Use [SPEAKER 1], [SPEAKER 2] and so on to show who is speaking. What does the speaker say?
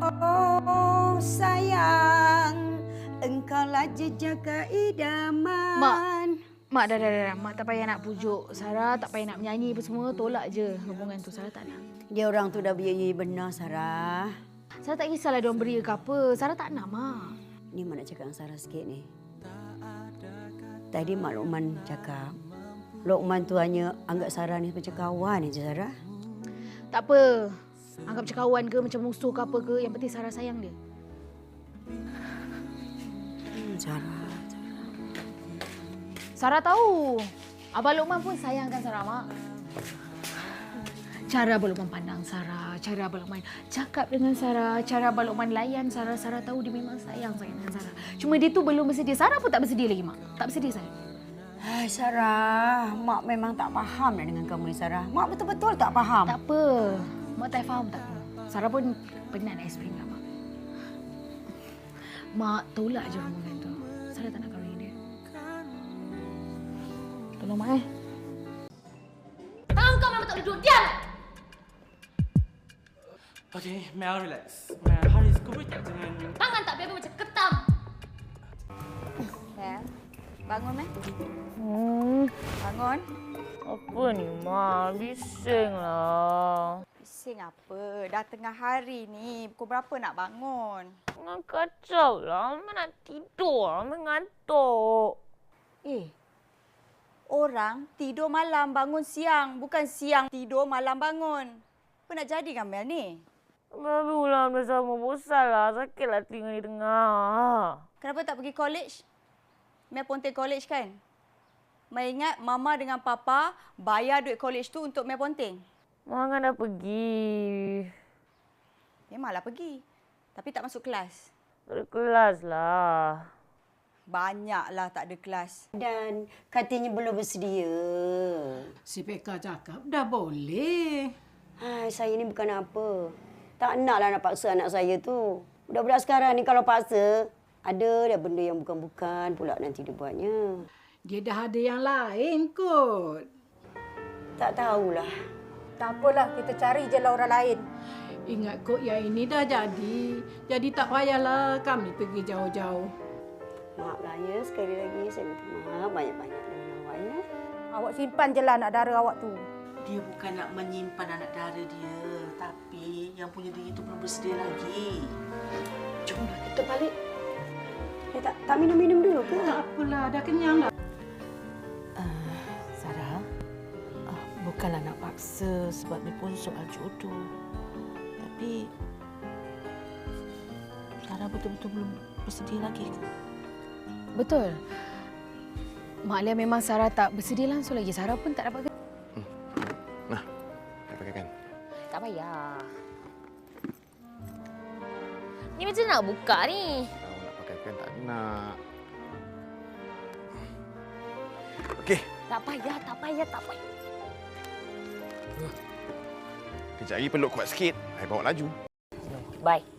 [SPEAKER 1] Oh sayang, engkaulah jejaka idaman.
[SPEAKER 2] Mak dah. Mak tak payah nak pujuk Sarah, tak payah nak menyanyi apa semua. Tolak je hubungan tu. Sarah tak nak.
[SPEAKER 1] Dia orang tu dah beria benar, Sarah.
[SPEAKER 2] Sarah tak kisahlah dia orang beria ke apa. Sarah tak nak, Mak.
[SPEAKER 1] Ni Mak nak cakap dengan Sarah sikit ni. Tadi Mak Lokman cakap, Lokman tu hanya anggap Sarah ni macam kawan je, Sarah.
[SPEAKER 2] Tak apa. Anggap macam kawan ke, macam musuh ke apa ke. Yang penting Sarah sayang dia.
[SPEAKER 1] Sarah.
[SPEAKER 2] Sarah tahu. Abang Lokman pun sayangkan Sarah, Mak. Cara Abang Lokman pandang Sarah, cara Abang Lokman cakap dengan Sarah, cara Abang Lokman layan Sarah, Sarah tahu dia memang sayang sangat dengan Sarah. Cuma dia tu belum bersedia. Sarah pun tak bersedia lagi, Mak. Tak bersedia, Sarah.
[SPEAKER 1] Hai Sarah, Mak memang tak faham dah dengan kamu ni, Sarah. Mak betul-betul tak faham.
[SPEAKER 2] Tak apa. Mak tak faham tak apa. Sarah pun penat nak explain kat Mak. Mak tolak je hubungan tu. Sarah tak nak kahwin dengan dia. Tolong Mak
[SPEAKER 3] Tangan kau memang tak boleh duduk. Diam!
[SPEAKER 4] Okay, Mel relax. Mel, hari kau boleh tak jangan...
[SPEAKER 3] Tangan tak biar macam ketam.
[SPEAKER 5] Mel, bangun, Mel. Bangun.
[SPEAKER 6] Apa ni, Ma? Bising lah.
[SPEAKER 5] Bising apa? Dah tengah hari ni. Pukul berapa nak bangun?
[SPEAKER 6] Tengah kacau lah. Ma nak tidur lah. Mengantuk.
[SPEAKER 5] Orang tidur malam bangun siang. Bukan siang tidur malam bangun. Apa nak jadi dengan Mel ni?
[SPEAKER 6] Baru lah bersama. Bosan lah. Sakitlah telinga ni dengar.
[SPEAKER 5] Kenapa tak pergi college? Mel Ponting College kan? Mel ingat Mama dengan Papa bayar duit college tu untuk Mel Ponting.
[SPEAKER 6] Ma kan dah pergi.
[SPEAKER 5] Memanglah pergi. Tapi tak masuk kelas.
[SPEAKER 6] Tak ada kelas lah.
[SPEAKER 5] Banyaklah tak ada kelas.
[SPEAKER 1] Dan katanya belum bersedia.
[SPEAKER 7] Si Peka cakap dah boleh.
[SPEAKER 1] Hai, saya ni bukan apa. Tak naklah nak paksa anak saya tu. Budak-budak sekarang ni kalau paksa, ada dah benda yang bukan-bukan pula nanti dia buatnya.
[SPEAKER 7] Dia dah ada yang lain kot.
[SPEAKER 1] Tak tahulah.
[SPEAKER 8] Tak apalah, kita cari je lah orang lain.
[SPEAKER 7] Ingat kot yang ini dah jadi. Jadi tak payahlah kami pergi jauh-jauh.
[SPEAKER 1] Maaflah ya, sekali lagi saya minta maaf banyak-banyak dengan awak ya.
[SPEAKER 8] Awak simpan je lah anak dara awak tu.
[SPEAKER 9] Dia bukan nak menyimpan anak dara dia. Tapi yang punya diri itu belum bersedia lagi.
[SPEAKER 1] Jomlah kita balik. Tak minum-minum dulu ke?
[SPEAKER 7] Tak apalah, dah kenyang dah.
[SPEAKER 9] Sarah, bukanlah nak paksa sebab ni pun soal jodoh. Tapi Sarah betul-betul belum bersedia lagi ke?
[SPEAKER 2] Betul. Mak Alia memang Sarah tak bersedia langsung lagi. Sarah pun tak dapat...
[SPEAKER 10] Nah, saya pakaikan.
[SPEAKER 3] Tak payah. Ni macam nak buka ni.
[SPEAKER 10] Tahu nak pakaikan tak nak. Okey.
[SPEAKER 3] Tak payah.
[SPEAKER 10] Kejap lagi peluk kuat sikit. Saya bawa laju.
[SPEAKER 3] Bye.